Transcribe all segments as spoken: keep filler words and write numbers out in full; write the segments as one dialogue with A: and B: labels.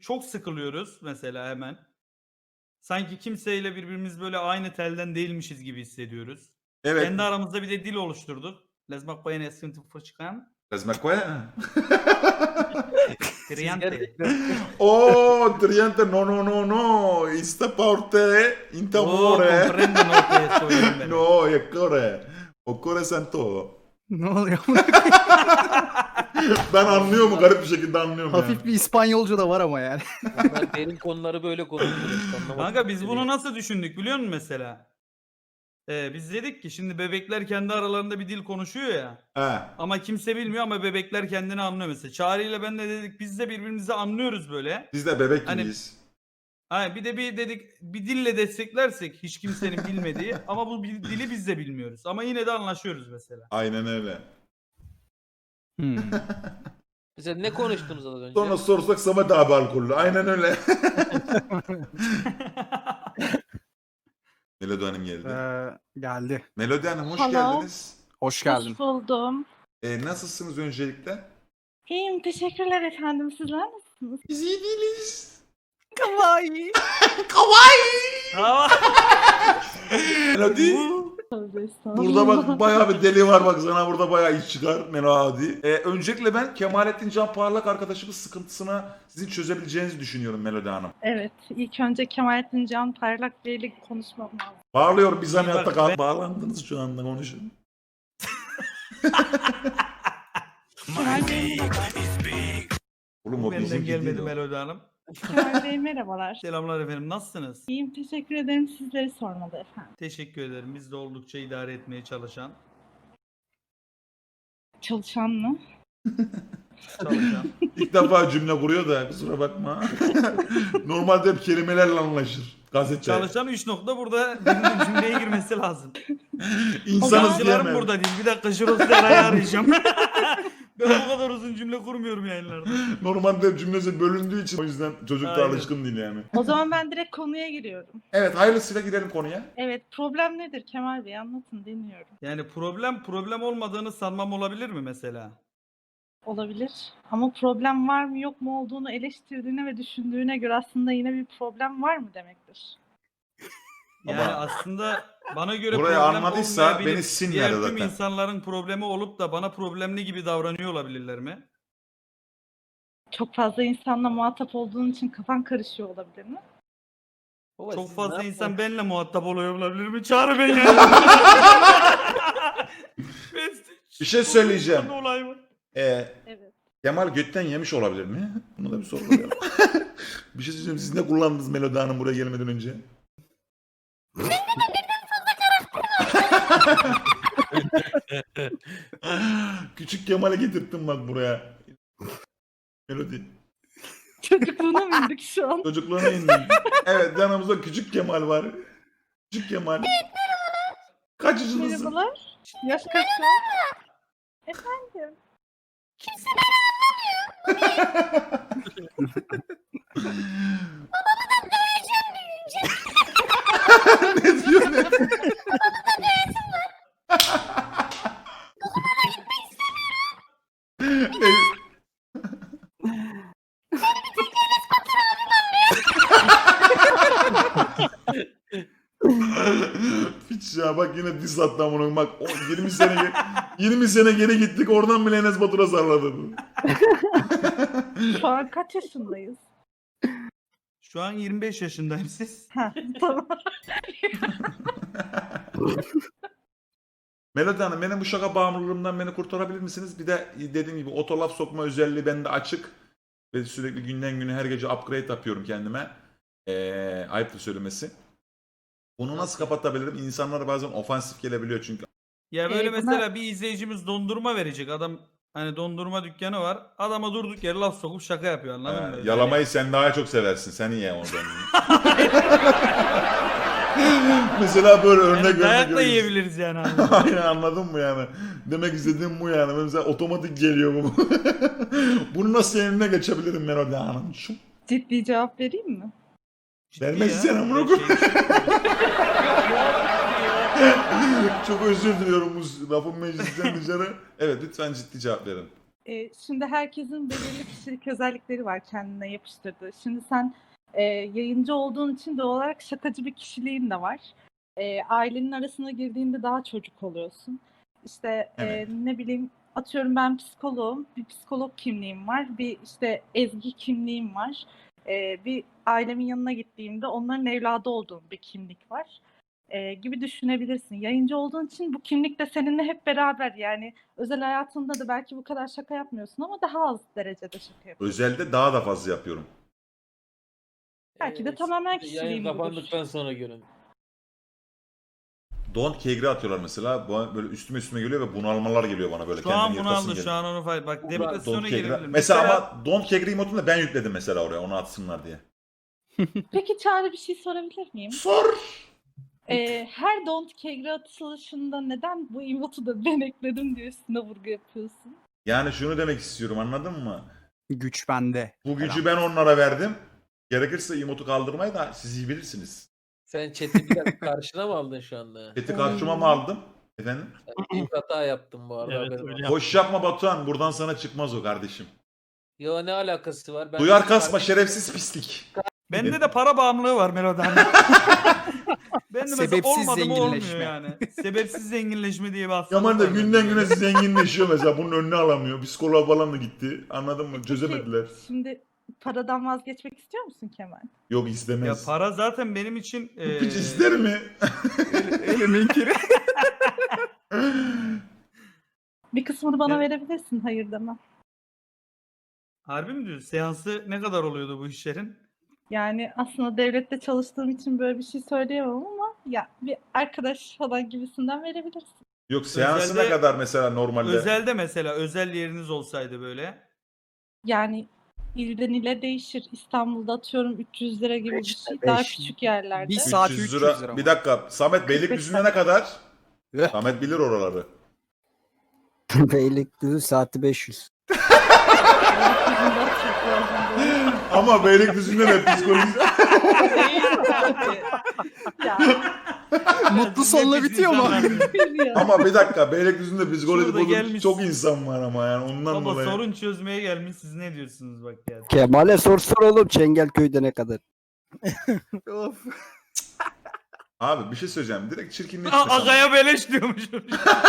A: çok sıkılıyoruz mesela hemen. Sanki kimseyle birbirimiz böyle aynı telden değilmişiz gibi hissediyoruz.
B: Evet.
A: Kendi aramızda bir de dil oluşturduk. Lazmak bayana sıkıntı fışkan.
B: Lazmak koya.
A: Triante.
B: Oh, Triante, no, no, no, no. Sta parte in
A: Oh,
B: t'amore.
A: comprendo no que estoy en
B: No, e cuore. O cuore santo.
C: Ne oluyor?
B: Ben anlıyorum, garip bir şekilde anlıyorum
C: Hafif
B: yani.
C: bir İspanyolca da var ama yani.
D: Bunlar derin konuları böyle konuşuyoruz. Anlamadım.
A: Kanka biz bunu nasıl düşündük biliyor musun mesela? Ee, biz dedik ki şimdi bebekler kendi aralarında bir dil konuşuyor ya.
B: He.
A: Ama kimse bilmiyor ama bebekler kendini anlıyor mesela. Çağrı ile ben de dedik biz de birbirimizi anlıyoruz böyle.
B: Biz de bebek
A: Hani-
B: gibiyiz.
A: Ha, bir de bir dedik bir dille desteklersek hiç kimsenin bilmediği ama bu bir dili biz de bilmiyoruz. Ama yine de anlaşıyoruz mesela.
B: Aynen öyle.
C: Hmm.
D: Mesela ne konuştunuz az önce?
B: Sonra sorsak Samet abi alkollü. Aynen öyle. Melodi Hanım geldi.
C: Ee, geldi.
B: Melodi Hanım hoş
E: Hello.
B: geldiniz.
C: Hoş geldin.
E: Hoş buldum.
B: Ee, nasılsınız öncelikle?
E: İyiyim, teşekkürler efendim. Sizler nasılsınız?
B: Biz iyi değiliz.
C: Kawaii.
A: Ama
B: Melodi.
E: Tövbe estağfurullah.
B: Burada bak bayağı bir deli var, bak sana burada bayağı iş çıkar Melodi. Ee, öncelikle ben Kemalettin Can Parlak arkadaşımız sıkıntısına sizin çözebileceğinizi düşünüyorum Melodi Hanım.
E: Evet, ilk önce Kemalettin Can Parlak Bey ile konuşmam lazım.
B: Bağırıyor, biz hani
A: Bak,
B: hatta kal-
A: ben-
B: bağlandınız şu anda, konuşun.
E: Kemal Bey merhaba.
B: Oğlum o
A: benden
B: bizimki değil
A: gelmedi
B: o.
A: Melodi Hanım.
E: Kemal Bey merhabalar.
A: Selamlar efendim nasılsınız?
E: İyiyim, teşekkür ederim. Sizleri sormalı efendim.
A: Teşekkür ederim. Biz de oldukça idare etmeye çalışan.
E: Çalışan mı?
A: Çalışan.
B: İlk defa cümle kuruyor da kusura bakma. Normalde hep kelimelerle anlaşır. Gazete.
A: Çalışan üç nokta burada birinin cümleye girmesi lazım.
B: İnsanız
A: Yazılarım
B: diyemem.
A: burada değil. Bir dakika şurası arayı arayacağım. Ben bu kadar uzun cümle kurmuyorum yayınlarda.
B: Normalde hep cümlesi bölündüğü için o yüzden çocuk da
A: Aynen.
B: alışkın değil yani.
E: O zaman ben direkt konuya giriyorum.
B: Evet, hayırlısıyla girelim konuya.
E: Evet, problem nedir Kemal Bey? Anlatın, dinliyorum.
A: Yani problem problem olmadığını sanmam olabilir mi mesela?
E: Olabilir. Ama problem var mı yok mu olduğunu eleştirdiğine ve düşündüğüne göre aslında yine bir problem var mı demektir.
A: Yani
B: Ama-
A: aslında bana göre
B: Burayı
A: problem
B: anladıysa
A: olmayabilir.
B: beni sinmedi
A: Diğer tüm
B: zaten.
A: insanların problemi olup da bana problemli gibi davranıyor olabilirler mi?
E: Çok fazla insanla muhatap olduğun için kafan karışıyor olabilir mi?
D: Baba,
A: Çok
D: siz
A: fazla
D: ne
A: insan
D: yapıyorsunuz?
A: benimle muhatap oluyor olabilir mi? Çağrı beni.
B: Bir şey söyleyeceğim.
A: Olay var.
B: Ee,
E: Evet.
B: Kemal götten yemiş olabilir mi? Bunu da bir sorgulayalım. Bir şey söyleyeceğim. Siz ne kullandınız Melodi Hanım buraya gelmeden önce? Küçük Kemal'i getirttim bak buraya. Melodi.
E: Çocukluğuna mı indik şu an?
B: Çocukluğuna indim. Evet, yanımızda küçük Kemal var. Küçük Kemal. Kaç yaşındasın?
E: Merhabalar. Yaş kaç şu an? Efendim?
B: Ne diyor ne? Ne? Piç ya, bak yine diss attı amına koyayım. Bak o yirmi sene ge- yirmi sene geri gittik, oradan bile Enes Batur'a salladı bu.
E: Şu an kaç yaşındayız?
A: Şu an yirmi beş yaşındayım siz.
E: Ha, tamam.
B: Melodi Hanım, benim bu şaka bağımlılığımdan beni kurtarabilir misiniz? Bir de dediğim gibi otolaf sokma özelliği bende açık. Ve sürekli günden güne her gece upgrade yapıyorum kendime. Ee, ayıptır söylemesi. Bunu nasıl kapatabilirim? İnsanlara bazen ofansif gelebiliyor çünkü.
A: Ya böyle
E: Ee, buna-
A: mesela bir izleyicimiz dondurma verecek. Adam hani dondurma dükkanı var. Adama durduk yere laf sokup şaka yapıyor anladın
B: Ee,
A: mı?
B: yalamayı sen daha çok seversin. Sen ye oradan. Mesela böyle
A: Yani,
B: örnek
A: yani
B: vermek
A: dayak da
B: gerekirse-
A: yiyebiliriz yani. abi.
B: Aynen, anladın mı yani? Demek istediğim bu yani. Mesela otomatik geliyor bu. Bunu nasıl eline geçebilirim Melodi Hanım? Şu
E: Ciddi cevap vereyim mi?
A: Ciddi
B: Vermezsen
A: ya.
B: amına
A: Böyle
B: koyayım.
A: şey-
B: Çok özür diliyorum bu lafın meclisten dışarı. Evet, lütfen ciddi cevap verin.
E: e, şimdi herkesin belirli kişilik özellikleri var kendine yapıştırdığı. Şimdi sen e, yayıncı olduğun için doğal olarak şakacı bir kişiliğin de var. E, ailenin arasına girdiğinde daha çocuk oluyorsun. İşte e,
B: Evet.
E: ne bileyim atıyorum ben psikoloğum, bir psikolog kimliğim var, bir işte ezgi kimliğim var. E, bir ailemin yanına gittiğimde onların evladı olduğum bir kimlik var. E, gibi düşünebilirsin. Yayıncı olduğun için bu kimlik de seninle hep beraber, yani özel hayatında da belki bu kadar şaka yapmıyorsun ama daha az derecede şaka yapıyorsun.
B: Özelde daha da fazla yapıyorum.
E: Belki de
D: Ee,
E: tamamen
D: Yayın
E: kişiliğim budur.
D: kapandıktan sonra görün.
B: Don't kegri atıyorlar mesela. Bu- Böyle üstüme üstüme geliyor ve bunalmalar geliyor bana böyle.
A: Şu an
B: kendimi
A: bunu
B: yırtasım
A: aldı. Şu
B: geliyor.
A: an onu fay. Bak
B: Don't
A: depresyona
B: kegri.
A: girebilir.
B: Mesela, ama Don't kegri emotunu da ben yükledim mesela oraya. Onu atsınlar diye.
E: Peki Çağrı, bir şey sorabilir miyim?
B: Sor.
E: Ee, her don't kegri atılışında neden bu emotu da ben ekledim diye üstüne vurgu yapıyorsun?
B: Yani şunu demek istiyorum, anladın mı?
C: Güç bende.
B: Bu gücü ben onlara verdim. Gerekirse emotu kaldırmayı da siz iyi bilirsiniz.
D: Sen chat'i biraz karşına mı aldın şu anda?
B: Eti karşıma mı aldım? Efendim?
D: Büyük hata yaptım bu arada.
F: Evet,
D: haberin
F: öyle
D: olsun.
F: yap.
B: Boş yapma Batuhan. Buradan sana çıkmaz o kardeşim.
D: Yo, ne alakası var? Ben
B: Duyar kasma şerefsiz pislik.
A: Bende de para bağımlılığı var Melo'dan. Ben de mesela
C: Sebepsiz
A: olmadı mı olmuyor
C: zenginleşme.
A: yani. Sebepsiz zenginleşme diye bir hastalık
B: Yaman da
A: var
B: günden
A: bende.
B: güne zenginleşiyor mesela. Bunun önüne alamıyor. Psikoloğa falan da gitti. Anladın mı? Çözemediler.
E: Peki, şimdi paradan vazgeçmek istiyor musun Kemal?
B: Yok
A: Ya
B: istemez.
A: para zaten benim için eee,
B: Hiç ister mi?
C: Elimin kiri.
E: Bir kısmını bana
A: Ya-
E: verebilirsin, hayır demem.
A: harbi mi diyorsun? Seansı ne kadar oluyordu bu işlerin?
E: Yani aslında devlette çalıştığım için böyle bir şey söyleyemem ama ya bir arkadaş falan gibisinden verebilirsin.
B: Yok seansı ne
A: Özelde-
B: kadar mesela normalde?
A: Özelde mesela özel yeriniz olsaydı böyle.
E: Yani ilden ile değişir. İstanbul'da atıyorum üç yüz lira gibi bir
C: Beş-
E: şey. Daha
C: beş-
E: küçük yerlerde.
C: bir saat
B: üç yüz
C: üç yüz
B: lira.
C: lira mı?
B: Bir dakika. Samet Beylikdüzü'ne ne kadar?
C: Eh.
B: Samet bilir oraları.
G: Beylikdüzü saati beş yüz.
E: Beylikdüzü'nde Türk Boğazı'nda.
B: Ama Beylikdüzü'nde de psikolojisi.
E: Ya,
C: Mutlu sonla bitiyor mu?
E: bir ya.
B: Ama bir dakika Beylikdüzü'nde psikoloji
A: Şurada
B: bozuk
A: gelmiş-
B: çok insan var ama yani ondan
A: Baba
B: dolayı.
A: sorun çözmeye gelmiş, siz ne diyorsunuz bak ya.
G: Kemal'e sorsana oğlum Çengelköy'de ne kadar?
C: Of.
B: Abi bir şey söyleyeceğim. Direkt çirkinleşme.
A: Aa,
B: sana.
A: Agaya beleş diyormuşum.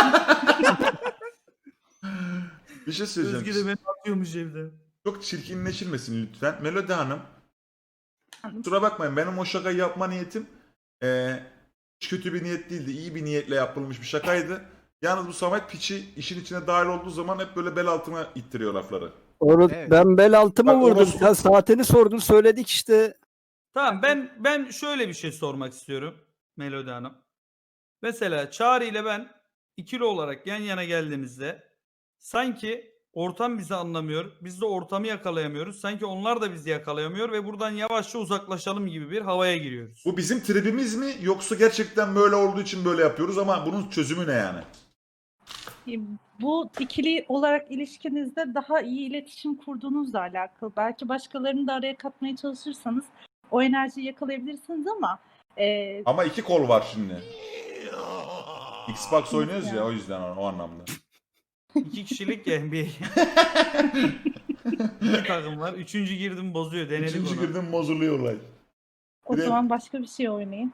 B: Bir şey söyleyeceğim.
A: Özge de beni atıyormuş evde.
B: Çok çirkinleşilmesin lütfen. Melodi Hanım. Kusura bakmayın benim o şakayı yapma niyetim eee, hiç kötü bir niyet değildi. İyi bir niyetle yapılmış bir şakaydı. Yalnız bu Samet piçi işin içine dahil olduğu zaman hep böyle bel altına ittiriyor lafları.
G: Onu
C: Evet.
G: ben bel altımı
B: Bak,
G: vurdum.
B: onu-
G: Sen saatini sordun söyledik işte.
A: Tamam ben ben şöyle bir şey sormak istiyorum Melodi Hanım. Mesela Çağrı ile ben ikili olarak yan yana geldiğimizde sanki ortam bizi anlamıyor. Biz de ortamı yakalayamıyoruz. Sanki onlar da bizi yakalayamıyor ve buradan yavaşça uzaklaşalım gibi bir havaya giriyoruz.
B: Bu bizim tribimiz mi yoksa gerçekten böyle olduğu için böyle yapıyoruz ama bunun çözümü ne yani?
E: Bu ikili olarak ilişkinizde daha iyi iletişim kurduğunuzla alakalı. Belki başkalarını da araya katmaya çalışırsanız o enerjiyi yakalayabilirsiniz ama e,
B: Ama iki kol var şimdi. Xbox oynuyoruz ya o yüzden o, o anlamda.
A: İki kişilik ya N B A. İki takım var. Üçüncü girdim bozuyor. Denedik
B: Üçüncü
A: onu.
B: girdim bozuluyor olay.
E: o
B: Bir de-
E: zaman başka bir şey oynayın.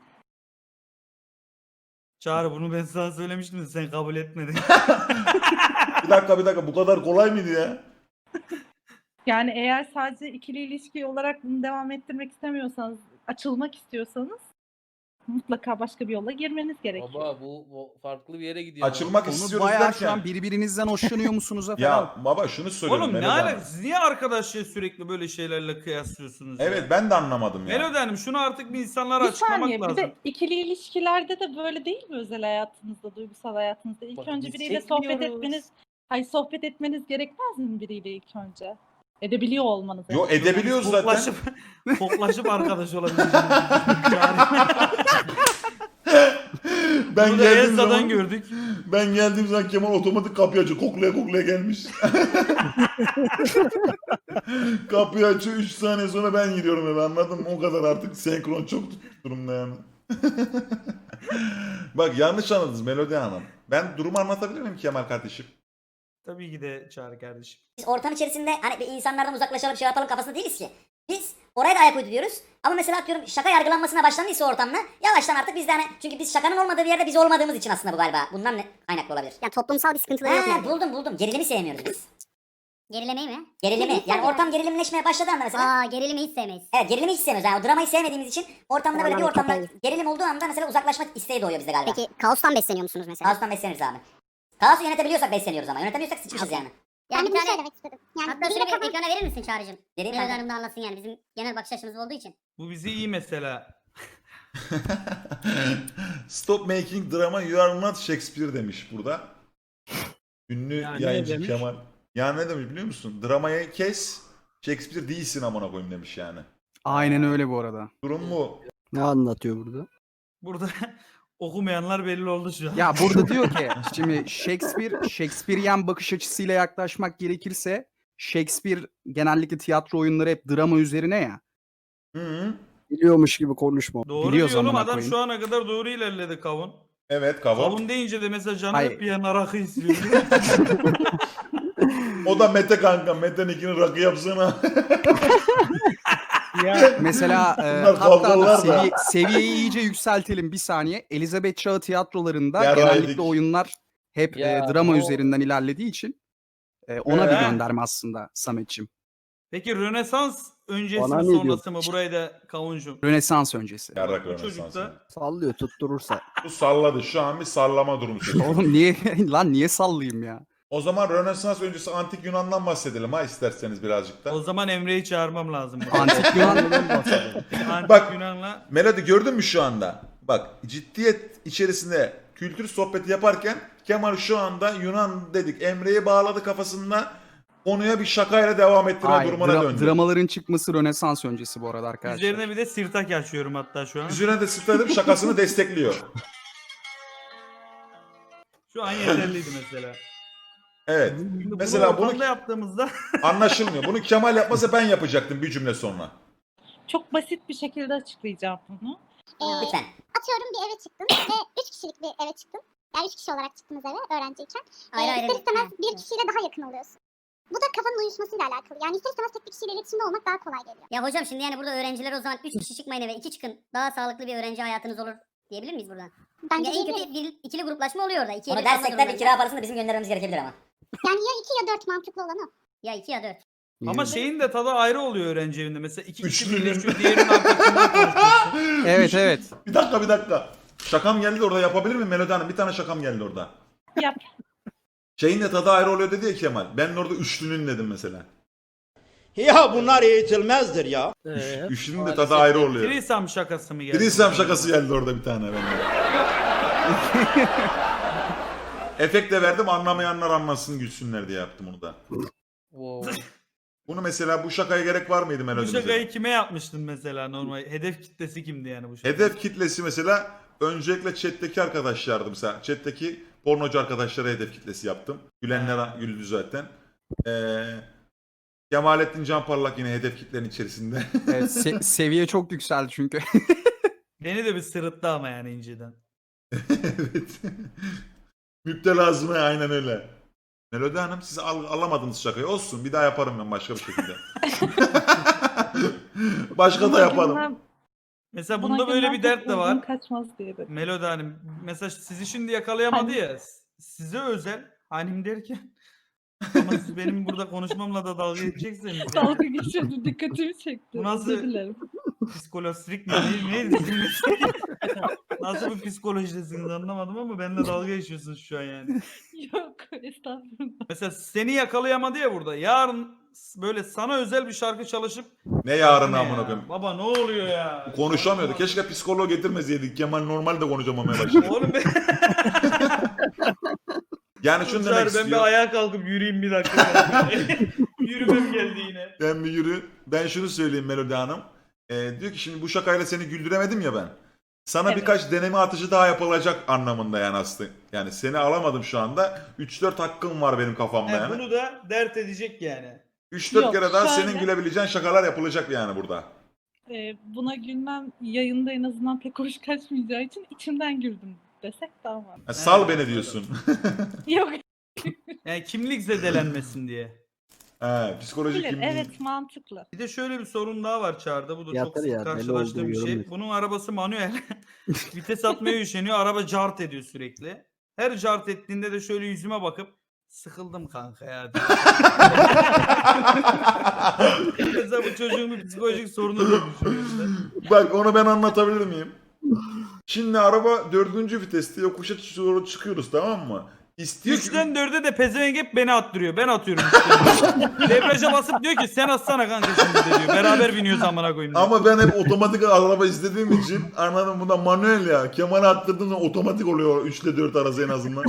A: Çağrı bunu ben sana söylemiştim de sen kabul etmedin.
B: Bir dakika bir dakika bu kadar kolay mıydı ya?
E: Yani eğer sadece ikili ilişki olarak bunu devam ettirmek istemiyorsanız, açılmak istiyorsanız mutlaka başka bir yola girmeniz gerekiyor.
D: Baba bu, bu farklı bir yere gidiyor.
B: Açılmak
C: Onu
B: istiyoruz
C: bayağı şu
B: derken.
C: an birbirinizden hoşlanıyor musunuz falan.
B: Ya baba şunu söylüyorum.
A: Oğlum ne
B: Melodi Hanım.
A: alakası? Siz niye arkadaşlığı sürekli böyle şeylerle kıyaslıyorsunuz? ya?
B: Evet ben de anlamadım ya.
A: Melodi Hanım şunu artık bir insanlara
E: Bir
A: açıklamak
E: saniye,
A: lazım.
E: bir de ikili ilişkilerde de böyle değil mi özel hayatınızda, duygusal hayatınızda? İlk
D: Bak,
E: önce
D: biz
E: biriyle sohbet
D: çekmiyoruz.
E: etmeniz, hayır sohbet etmeniz gerekmez mi biriyle ilk önce? Edebiliyor olmanız.
B: Yo edebiliyoruz zaten.
A: Koklaşıp, koklaşıp arkadaş olabilirsiniz.
B: Ben
A: Bunu da
B: geldiğim
A: Elsa'dan
B: zaman
A: gördük.
B: ben geldiğim zaman Kemal otomatik kapıyı açıyor. Koklaya koklaya gelmiş. Kapıyı açıyor üç saniye sonra ben giriyorum eve anladın mı? O kadar artık senkron çok tutmuş durumda yani. Bak yanlış anladınız Melodi Hanım. Ben durumu anlatabilir miyim Kemal kardeşim?
A: Tabii ki de Çağrı kardeşim.
F: Biz ortam içerisinde hani bir insanlardan uzaklaşalım şey yapalım kafasında değiliz ki. Biz oraya da ayak uyduruyoruz. Ama mesela atıyorum şaka yargılanmasına başlandıysa ortamda yavaştan artık biz de hani çünkü biz şakanın olmadığı bir yerde biz olmadığımız için aslında bu galiba. Bundan ne kaynaklı olabilir?
H: Yani toplumsal bir sıkıntıları yok.
F: He,
H: yani.
F: buldum buldum. Gerilimi sevmiyoruz biz.
H: Gerilemeyi mi?
F: Gerilimi. Yani ortam gerilimleşmeye başladı anda mesela.
H: Aa gerilimi hiç sevmeyiz.
F: Evet gerilimi hiç sevmiyoruz. Yani o dramayı sevmediğimiz için ortamda böyle bir
H: Vallahi
F: ortamda
H: kafayı-
F: gerilim olduğu anda mesela uzaklaşmak isteği doğuyor bizde galiba.
H: Peki kaostan besleniyor musunuz mesela?
F: Kaostan besleniriz abi. Kaosu yönetebiliyorsak besleniyoruz ama. Yönetemiyorsak sıçmışız yani.
H: Yani
I: Ben
H: bir
I: bunu
H: tane...
I: söylemek istedim. Yani
H: Hatta
I: biriyle
H: şöyle bir
I: kafam-
H: ekrana verir misin Çağrı'cığım?
F: Vereyim
H: Melodi
F: ben.
H: Hanım da anlasın yani bizim genel bakış açımız olduğu için.
A: Bu bizi iyi mesela.
B: Stop making drama, you are not Shakespeare demiş burada. Ünlü
G: Yani ne
B: yayıncı
G: demiş?
B: Kemal. Ya ne demiş biliyor musun? Dramayı kes, Shakespeare değilsin amına koyayım demiş yani.
C: Aynen öyle bu arada.
B: Durum bu.
G: Ne anlatıyor burada?
A: Burada okumayanlar belli oldu şu an.
C: Ya burada diyor ki şimdi Shakespeare, Shakespearean bakış açısıyla yaklaşmak gerekirse Shakespeare genellikle tiyatro oyunları hep drama üzerine ya.
B: Hı -hı.
G: Biliyormuş gibi konuşma.
A: Doğru
C: Biliyoruz
A: diyorum
C: amına
A: adam
C: koyayım.
A: şu ana kadar doğru ilerledi kavun.
B: Evet kavun.
A: Kavun deyince de mesela canı
C: Hayır.
A: hep bir yana rakı istiyor.
B: O da Mete kanka. Mete'ninkini rakı yapsana.
C: Mesela e,
B: Bunlar
C: hatta
B: kavgalar
C: da
B: da.
C: seviye, seviyeyi iyice yükseltelim bir saniye. Elizabeth Çağı tiyatrolarında
B: Yarraydık.
C: genellikle oyunlar hep
D: Ya,
C: e, drama
D: o-
C: üzerinden ilerlediği için e, ona
B: Ee?
C: bir gönderme aslında Samet'ciğim.
A: Peki Rönesans öncesi
G: Bana
A: mi
G: ne
A: sonrası mı? Burayı da kavuncum.
C: Rönesans öncesi.
B: Yarrak
A: Bu
B: Rönesans.
A: çocukta
G: Sallıyor tutturursa.
B: Bu salladı. Şu an bir sallama durumu söz konusu.
C: Oğlum niye lan niye sallayayım ya?
B: O zaman Rönesans öncesi Antik Yunan'dan bahsedelim ha isterseniz birazcık da.
A: o zaman Emre'yi çağırmam lazım.
C: Antik Yunan'dan bahsedelim.
A: Antik
B: Bak.
A: Yunan'la
B: Melody gördün mü şu anda? Bak ciddiyet içerisinde kültür sohbeti yaparken Kemal şu anda Yunan dedik. Emre'yi bağladı kafasında konuya bir şakayla devam ettirme
C: Hayır,
B: durumuna
C: dra-
B: döndü.
C: dramaların çıkması Rönesans öncesi bu arada arkadaşlar.
A: üzerine bir de sirtak açıyorum hatta şu an.
B: Üzerine de sıfırladım şakasını destekliyor.
A: Şu an yeterliydi mesela.
B: Evet.
A: Şimdi
B: Mesela
A: bunu
B: bunu
A: ortamda yaptığımızda
B: anlaşılmıyor. Bunu Kemal yapmasa ben yapacaktım bir cümle sonra.
E: Çok basit bir şekilde açıklayacağım bunu.
I: Ee,
F: Lütfen.
I: atıyorum bir eve çıktım ve üç kişilik bir eve çıktım. Yani üç kişi olarak çıktınız eve öğrenciyken.
H: Ayrı
I: Ee,
H: ayrı
I: ister istemez
H: değil.
I: bir
H: Evet.
I: kişiyle daha yakın oluyorsun. Bu da kafanın uyuşmasıyla alakalı. Yani ister istemez tek bir kişiyle iletişimde olmak daha kolay geliyor.
H: Ya hocam şimdi yani burada öğrenciler o zaman üç kişi çıkmayın eve iki çıkın. Daha sağlıklı bir öğrenci hayatınız olur diyebilir miyiz buradan?
I: Bence
H: Ya en
I: değil.
H: kötü bir, ikili gruplaşma oluyor orada. İki
F: Onu
H: evli kalma
F: dersek de bir
H: durumlarında.
F: kira parasını da bizim göndermemiz gerekebilir ama.
I: Yani ya iki ya dört mantıklı olan o.
H: Ya iki ya dört.
A: ama şeyin de tadı ayrı oluyor öğrenci evinde. Mesela iki kişi
B: Üçlünün.
A: birleşiyor diğerinin arkasında konuşuyorsun.
C: Evet evet.
B: Bir dakika bir dakika. Şakam geldi orada yapabilir miyim Melody Hanım? Bir tane şakam geldi orada.
E: Yap.
B: Şeyin de tadı ayrı oluyor dedi ya Kemal. Ben de orada üçlünün dedim mesela.
J: Ya bunlar eğitilmezdir ya.
D: Ee,
B: Üçlünün de
D: maalesef
B: tadı ayrı oluyor.
A: Trisam şakası mı geldi?
B: Trisam şakası geldi orada bir tane bende. Efekt de verdim anlamayanlar anlasın gülsünler diye yaptım onu da.
D: wow.
B: Bunu mesela bu şakaya gerek var mıydı
A: Bu
B: Melody mesela?
A: şakayı kime yapmıştın mesela normal? Hedef kitlesi kimdi yani bu şaka?
B: Hedef kitlesi mesela öncelikle chat'teki arkadaşlardı mesela. Chat'teki pornocu arkadaşlara hedef kitlesi yaptım. Gülenler güldü zaten. Ee, Kemalettin Canparlak yine hedef kitlenin içerisinde.
C: Evet, se- seviye çok yükseldi çünkü.
A: Beni de bir sırıttı ama yani inceden.
B: Evet. Müptelazına aynen öyle. Melody Hanım siz al- alamadınız şakayı. Olsun bir daha yaparım ben başka bir şekilde. Başka da
E: Buna
B: yaparım.
E: gülmem-
A: Mesela
E: buna
A: bunda böyle
E: gülmem
A: bir
E: çok
A: dert de
E: uzun
A: var.
E: kaçmaz diye dedim.
A: Melodi Hanım mesela sizi şimdi yakalayamadı
E: Hani-
A: ya. Size özel hanim derken ama siz benim burada konuşmamla da dalga geçeceksiniz.
E: Dalga geçiyordum, dikkatimi çekti.
A: Bu nasıl-
E: Özür dilerim.
A: Psikolojik mi? Ne, neydi? Nasıl bir psikolojidesiniz anlamadım ama benimle dalga geçiyorsunuz şu an yani.
E: Yok, estağfurullah.
A: Mesela seni yakalayamadı ya burada. Yarın böyle sana özel bir şarkı çalışıp
B: Ne yarın
A: Ne
B: amına
A: ya?
B: koyayım.
A: Baba ne oluyor ya?
B: Konuşamıyordu. Keşke psikoloğu getirmeseydik. Kemal normal de konuşamamaya başladı.
A: Oğlum ben,
B: Yani şunu demek
A: Çağrı, ben bir
B: istiyorum.
A: ayağa kalkıp yürüyeyim bir dakika. Yürümem geldi yine.
B: Ben bir yürü. Ben şunu söyleyeyim Melody Hanım. Ee, diyor ki şimdi bu şakayla seni güldüremedim ya ben. Sana
E: Evet.
B: birkaç deneme atışı daha yapılacak anlamında yani aslında. Yani seni alamadım şu anda. üç dört hakkım var benim kafamda
A: He,
B: yani.
A: bunu da dert edecek yani.
B: üç dört
E: Yok,
B: kere daha
E: şöyle-
B: senin gülebileceğin şakalar yapılacak yani burada.
E: Ee, buna gülmem yayında en azından pek hoş kaçmayacağı için içimden güldüm desek daha var.
B: Ha, sal
A: Evet,
B: beni diyorsun.
E: Yok
A: Yani kimlik zedelenmesin diye.
B: He, psikolojik
E: Bilir,
B: kimliği.
E: evet mantıklı.
A: Bir de şöyle bir sorun daha var Çağrı'da. Bu da çok
G: Yeter
A: sık
G: ya, deli
A: karşılaştığım
G: olduğu
A: bir şey.
G: yorum.
A: Bunun arabası manuel. Vites atmaya üşeniyor. Araba cart ediyor sürekli. Her cart ettiğinde de şöyle yüzüme bakıp sıkıldım kanka ya diyor. Mesela bu çocuğun bir psikolojik sorunu diye düşünüyorum.
B: Bak onu ben anlatabilir miyim? Şimdi araba dördüncü viteste yokuşa doğru çıkıyoruz, tamam mı? İstiyor ki...
A: Üçten dörde de pezevenk hep beni attırıyor. Ben atıyorum. üçten. Debriyaja basıp diyor ki sen atsana kanka şimdi de diyor. Beraber biniyoruz amına koyayım diyor.
B: Ama ben hep otomatik araba izlediğim için anladım, bunda manuel ya. Kemal'e attırdığım zaman otomatik oluyor üç ile dört arası en azından.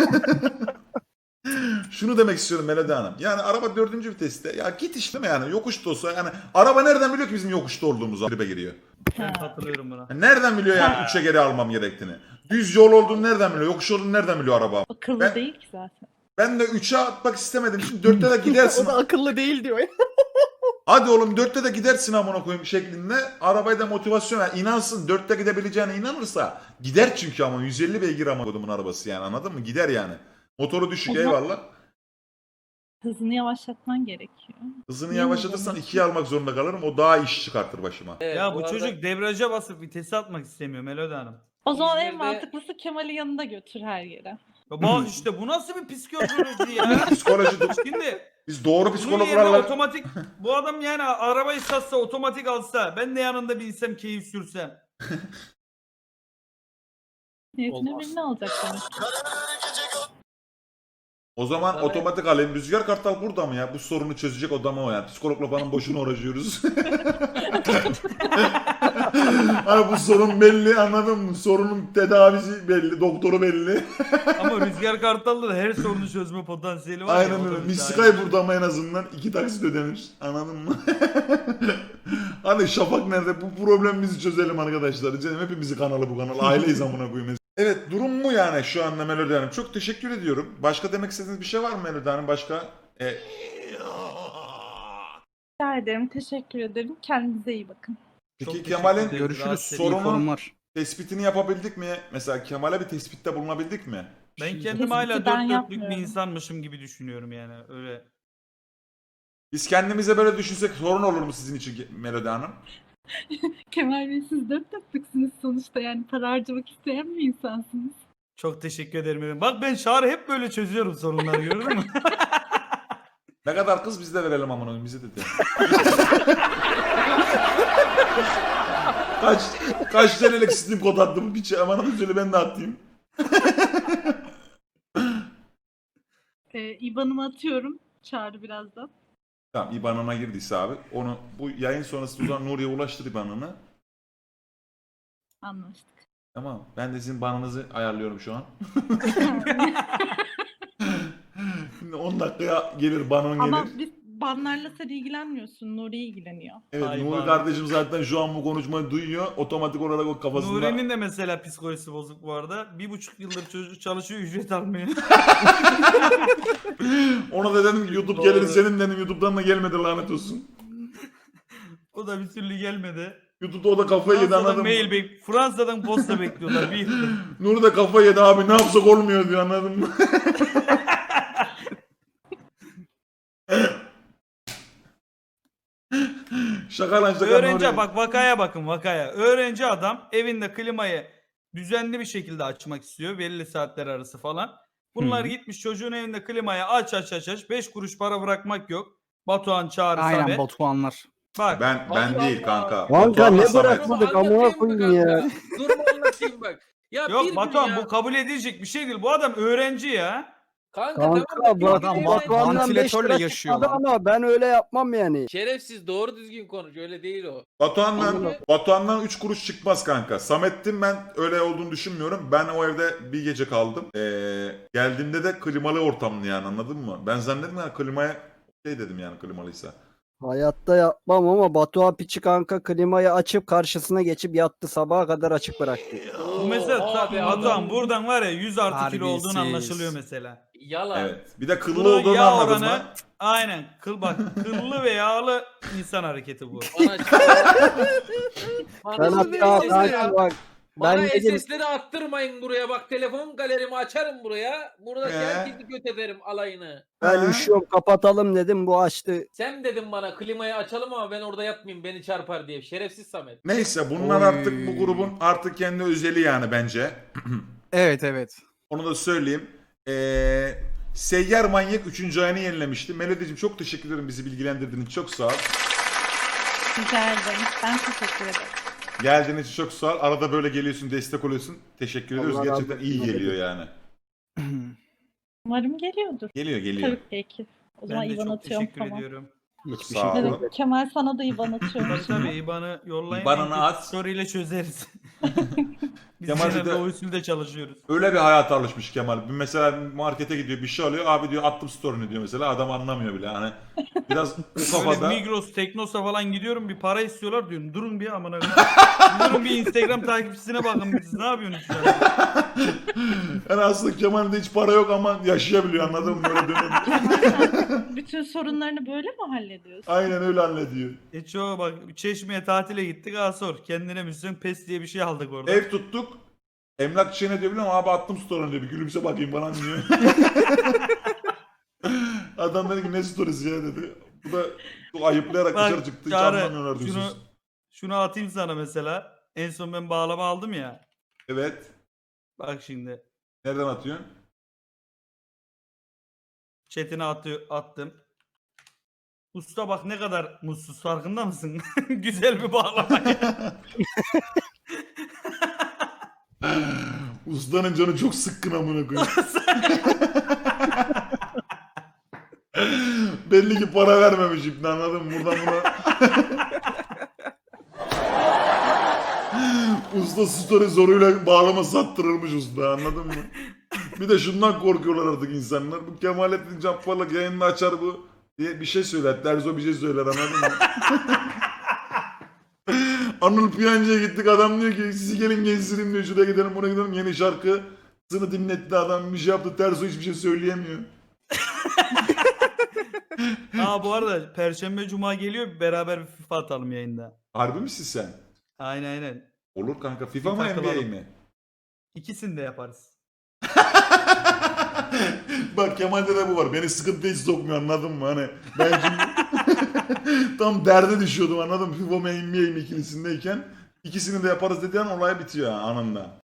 B: Şunu demek istiyorum Melody Hanım. Yani araba dördüncü viteste. Ya git işte mi yani, yokuşta olsa yani. Araba nereden biliyor ki bizim yokuşta olduğumuzu? Tribe giriyor.
A: Ben katılıyorum buna.
B: Nereden biliyor yani üçe geri almam gerektiğini? Düz yol olduğunu nereden biliyor? Yokuş olduğunu nereden biliyor araba?
E: Akıllı
B: Ben-
E: değil ki zaten.
B: Ben de üçe atmak istemedim. Şimdi dörtte de gidersin.
C: O da akıllı değil diyor ya.
B: Hadi oğlum dörtte de gidersin amına koyayım şeklinde. Arabaya da motivasyon ver. İnansın, dörtte gidebileceğine inanırsa gider çünkü ama yüz elli beygir ama kodumun arabası yani, anladın mı? Gider yani. Motoru düşük,
E: O zaman-
B: eyvallah.
E: Hızını yavaşlatman gerekiyor.
B: Hızını
E: Niye
B: yavaşlatırsan
E: o
B: ikiye almak zorunda kalırım. O daha iş çıkartır başıma.
D: Evet,
A: Ya bu
D: arada
A: çocuk debriyaja basıp vitesi atmak istemiyor Melody Hanım.
E: O zaman en
D: İzmir'de-
E: mantıklısı Kemal'i yanında götür her yere.
A: Ya bu işte bu nasıl bir psikoloji ya?
B: Psikoloji,
A: Şimdi
B: biz doğru
A: bunun yerine
B: psikologlarla...
A: otomatik bu adam yani arabayı satsa otomatik alsa ben de yanında binsem keyif sürsem.
E: Niyetine
D: Olmaz.
E: birini alacak demek.
B: O zaman
D: Tabii.
B: otomatik alayım. Rüzgar Kartal burada mı ya? Bu sorunu çözecek odama o yani. Psikologla falan boşuna uğraşıyoruz. Hani bu sorun belli, anladın mı? Sorunun tedavisi belli, doktoru belli.
A: Ama Rüzgar Kartal'da da her sorunu çözme potansiyeli var. ya,
B: Aynen
A: o da
B: öyle.
A: bir
B: Miskay
A: şahit.
B: burada ama en azından iki taksit ödenir. Anladın mı? Hani Şafak nerede? Bu problemimizi çözelim arkadaşlar. Canım hepimizi kanalı bu kanal. Aileyiz amına koyayım. Evet, durum bu yani şu anda Melody Hanım. Çok teşekkür ediyorum. Başka demek istediğiniz bir şey var mı Melody Hanım? Başka? E...
E: Rica ederim. Teşekkür ederim. Kendinize iyi bakın.
B: Peki
A: Çok
B: Kemal'in
A: teşekkür ederim.
C: Görüşürüz.
A: Rahatsız
C: İyi
B: sorunun-
C: forumlar.
B: tespitini yapabildik mi? Mesela Kemal'e bir tespitte bulunabildik mi?
A: Ben
C: Şimdi-
A: kendim hala
E: Tespiti
A: dört
E: ben
A: dörtlük bir
E: yapmıyorum.
A: insanmışım gibi düşünüyorum yani öyle.
B: Biz kendimize böyle düşünsek sorun olur mu sizin için Melody Hanım?
E: Kemal Bey siz dört dörtlüksünüz sonuçta. Yani para harcamak isteyen bir insansınız.
A: Çok teşekkür ederim. efendim. Bak ben Çağrı hep böyle çözüyorum sorunları gördün mü?
B: Ne kadar kız biz de verelim amına koyayım, bize de de. kaç kaç T L'lik Steam kod attım bir şey aman söyle ben de atayım.
E: Ee, İBAN'ımı atıyorum. Çağrı birazdan.
B: Tamam, İBAN'ına girdiyse abi onu bu yayın sonrası o zaman Nuriye ulaştır İBAN'ını.
E: Anlaştık.
B: Tamam, ben de sizin banınızı ayarlıyorum şu an. Şimdi on dakikaya gelir banın
E: Ama
B: gelir.
E: biz banlarla sen ilgilenmiyorsun. Nuri ilgileniyor.
B: Evet,
A: Ay
B: Nuri
A: ban.
B: kardeşim zaten şu an bu konuşmayı duyuyor. Otomatik olarak o kafasında...
A: Nuri'nin de mesela psikolojisi bozuk bu arada. Bir buçuk yıldır çocuk çalışıyor ücret almıyor.
B: Ona da dedim ki YouTube
A: Doğru.
B: gelir senin dedim, YouTube'dan da gelmedi lanet olsun.
A: O da bir türlü gelmedi.
B: YouTube'da o da kafayı yedi,
A: Fransa'dan
B: anladın mı?
A: mail bek Fransa'dan posta bekliyorlar bir yıldır.
B: Nuri da kafayı yedi abi, ne yapsak olmuyor diyor, anladın mı? Şaka lan şaka.
A: Öğrenci
B: Nuri.
A: bak vakaya bakın vakaya. Öğrenci adam evinde klimayı düzenli bir şekilde açmak istiyor belli saatler arası falan. Bunlar
C: Hı.
A: gitmiş çocuğun evinde klimayı aç aç aç aç. beş kuruş para bırakmak yok. Batuhan Çağrı
C: Aynen
A: Samet.
C: Batuhanlar.
A: Bak
B: Ben ben
D: Allah
B: değil
D: Allah.
B: kanka.
G: Kanka
B: Batuhan'la
G: ne
B: Samet.
G: bırakmadık amına
D: Anlatayım mı
G: koyayım ya.
D: kanka? Dur mu anlatayım bak. Ya bir
A: yok
D: gün
A: Batuhan
D: ya.
A: bu kabul edilecek bir şey değil. Bu adam öğrenci ya.
D: Kanka,
G: Kanka
D: tamam da
G: bu
D: bir
G: adam
D: gün ya.
G: Batuhan'dan beş
C: Vantilatörle
G: lira
C: yaşıyor
G: çıkmadı
C: lan.
G: ama ben öyle yapmam yani.
D: Şerefsiz doğru düzgün konuş öyle değil o.
B: Batuhan'dan,
D: Anladım.
B: Batuhan'dan üç kuruş çıkmaz kanka. Samet'tim, ben öyle olduğunu düşünmüyorum. Ben o evde bir gece kaldım. Ee, geldiğimde de klimalı ortamlı yani, anladın mı? Ben zannettim yani klimaya şey dedim yani, klimalıysa.
G: Hayatta yapmam ama Batuhan piçi kanka klimayı açıp karşısına geçip yattı, sabaha kadar açık bıraktı.
A: Bu mesela
D: Oha be
A: Batuhan
D: adam.
A: buradan var ya yüz artı kilo olduğun
C: Terbiyesiz.
A: anlaşılıyor mesela.
D: Yalan.
B: Evet. Bir de kıllı
A: Bunun
B: olduğunu
A: yağ
B: anladın
A: oranı
B: mı?
A: aynen kıl bak kıllı ve yağlı insan hareketi bu.
D: Bana
G: Ben
D: Bana
G: hatta
D: söylesene
G: kanka
D: ya.
G: bak
D: Bana
G: Ben dedim
D: S S'leri attırmayın buraya bak telefon galerimi açarım buraya. Burada
B: Ee?
D: herkesi göt ederim alayını.
G: ben
B: Ha?
G: üşüyorum kapatalım dedim bu açtı.
D: Sen dedin bana klimayı açalım ama ben orada yatmayayım beni çarpar diye. Şerefsiz Samet.
B: Neyse bunlar
C: Oy.
B: artık bu grubun artık kendi özeli yani bence.
C: Evet evet.
B: Onu da söyleyeyim. Ee, Seyyar Manyak üçüncü ayını yenilemişti. Melodi'cim çok teşekkür ederim bizi bilgilendirdiğin için. Çok sağ ol.
E: Rica ederim. Ben teşekkür ederim.
B: Geldiğin için çok sağ ol. Arada böyle geliyorsun, destek oluyorsun. Teşekkür ediyoruz.
G: Allah razı
B: Gerçekten
G: olsun
B: iyi
G: Melodi.
B: geliyor yani.
E: Umarım geliyordur.
B: Geliyor geliyor.
E: Tabii ki. O zaman
A: Ben de
E: İvan
A: çok
E: atıyorum
A: teşekkür
E: tamam.
A: ediyorum.
G: Hiçbir
B: Sağ
G: şey
B: ol.
G: değil.
E: Evet, Kemal sana da İvan atıyorum.
A: Tabii tabii İBAN'ı yollayın.
B: İBAN'ını at.
A: Story ile çözeriz. Biz
B: Kemal
A: genelde
B: de-
A: o usulde çalışıyoruz.
B: Öyle bir hayata alışmış Kemal. Bir mesela markete gidiyor bir şey alıyor. Abi diyor attım story'ni diyor mesela. Adam anlamıyor bile. Hani biraz bu
A: Böyle
B: kafada.
A: Migros, Teknosa falan gidiyorum bir para istiyorlar diyorum. Durun bir amına koyayım. Durun bir Instagram takipçisine bakın siz ne yapıyorsunuz şu an?
B: Yani aslında Kemal'de hiç para yok ama yaşayabiliyor anladın mı? Böyle dönem.
E: Bütün sorunlarını böyle mi hallediyorsun?
B: Aynen öyle hallediyor.
A: E çoğu bak Çeşme'ye tatile gittik ha sor. Kendine müslüm pes diye bir şey aldık orada.
B: Ev tuttuk. Emlakçıya ne diyor biliyor musun? Abi attım story'ni diyor. Bir gülümse bakayım bana diyor. Adam dedi ki ne story'si ya dedi. Bu da çok ayıplayarak
A: Bak,
B: dışarı çıktı. Hiç
A: Çağrı,
B: anlamıyorlar
A: şunu,
B: diyorsunuz.
A: şunu atayım sana mesela. En son ben bağlama aldım ya.
B: Evet.
A: Bak şimdi.
B: Nereden atıyorsun?
A: Chatine atıyor, attım. Usta bak ne kadar mutsuz farkında mısın? Güzel bir bağlama.
B: Ustanın canı çok sıkkın amına koyayım. Belli ki para vermemiş İbni anladın mı? Buradan buna... Usta story zoruyla bağlama sattırılmış usta anladın mı? Bir de şundan korkuyorlar artık insanlar. Bu Kemalettin Cabbar'la yayını açar bu diye bir şey söyler. Terzo bir şey söyler anladın mı? Anıl Piyancı'ya gittik adam diyor ki sizi gelin gezdireyim diyor. Şuraya gidelim buraya gidelim yeni şarkısını dinletti adam bir şey yaptı. Terzo hiçbir şey söyleyemiyor.
A: Aa bu arada Perşembe Cuma geliyor beraber bir FIFA atalım yayında.
B: Harbi misin sen?
A: Aynen aynen.
B: Olur kanka FIFA
A: Bir
B: mı N B A
A: takılalım.
B: mi?
A: İkisini de yaparız.
B: Bak Kemal'de de bu var. Beni sıkıntıya hiç sokmuyor anladın mı? Hani ben şimdi tam derde düşüyordum anladın mı? FIFA mı N B A mi ikilisindeyken ikisini de yaparız dediğin olay bitiyor ha, anında.